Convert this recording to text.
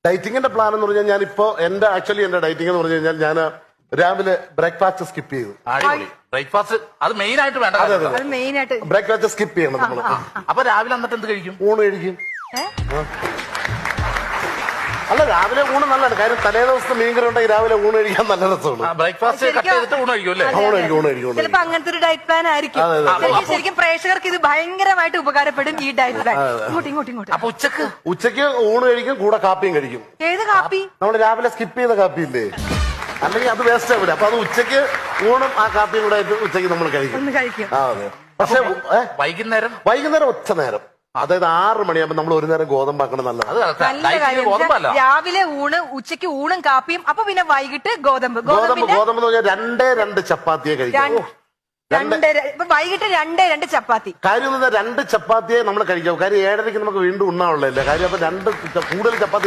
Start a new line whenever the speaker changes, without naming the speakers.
ഡയറ്റിങ്ങിന്റെ plan എന്ന് പറഞ്ഞാൽ ഞാനിപ്പോ എന്റെ ഡയറ്റിംഗ് എന്ന് പറഞ്ഞു കഴിഞ്ഞാൽ ഞാൻ രാവിലെ ബ്രേക്ക്ഫാസ്റ്റ് സ്കിപ്പ് ചെയ്തു.
ബ്രേക്ക്ഫാസ്റ്റ് അത് മെയിൻ ആയിട്ട് വേണ്ട.
ബ്രേക്ക്ഫാസ്റ്റ് സ്കിപ്പ് ചെയ്യണം നമ്മൾ.
അപ്പൊ രാവിലെ എന്നിട്ട് എന്ത് കഴിക്കും?
ഊണ് കഴിക്കും. അല്ല, രാവിലെ ഊണ് നല്ലതാണ്. കാര്യം തലേ ദിവസത്തെ മീൻകറി ഉണ്ടെങ്കിൽ രാവിലെ ഊണ് കഴിക്കാൻ നല്ല രസമാണ്.
ബ്രേക്ക്ഫാസ്റ്റ് കട്ട് ചെയ്തിട്ട് ഊണ് കഴിക്കും അല്ലേ?
ഊണ് കഴിക്കും.
ചിലപ്പോ അങ്ങനത്തെ ഒരു ഡയറ്റ് പ്ലാൻ ആയിരിക്കും. ശരിക്കും പ്രേക്ഷകർക്ക് ഇത് ഭയങ്കരമായിട്ട് ഉപകാരപ്പെടും ഈ ഡയറ്റ് പ്ലാൻ. ഇങ്ങോട്ട്.
അപ്പൊ
ഉച്ചക്ക് ഊണ് കഴിക്കും, കൂടെ കാപ്പിയും കഴിക്കും.
ഏത് കാപ്പി?
നമ്മൾ രാവിലെ സ്കിപ്പ് ചെയ്ത കാപ്പി ഇല്ലേ, അല്ലെങ്കിൽ അത് വേസ്റ്റ് ആവില്ല. അപ്പൊ അത് ഉച്ചക്ക് ഊണും ആ കാപ്പിയും കൂടെ ആയിട്ട് ഉച്ചക്ക് നമ്മൾ കഴിക്കും. അതെ. പക്ഷെ വൈകുന്നേരം ഒറ്റ നേരം, അതായത് 6 മണിയാകുമ്പോൾ നമ്മൾ ഒരു നേരം ഗോതമ്പാക്കണം. നല്ലത്.
രാവിലെ ഊണ്, ഉച്ചയ്ക്ക് ഊണും കാപ്പിയും, അപ്പൊ പിന്നെ വൈകിട്ട് ഗോതമ്പ്
എന്ന് പറഞ്ഞാൽ 2 ചപ്പാത്തിയെ കഴിക്കാം.
വൈകിട്ട് 2 ചപ്പാത്തി.
കാര്യം 2 ചപ്പാത്തിയെ നമ്മൾ കഴിക്കാം. കാര്യം 7:30 നമുക്ക് വീണ്ടും ഉണ്ണാനുള്ളതല്ലേ. കാര്യം അപ്പൊ കൂടുതൽ ചപ്പാത്തി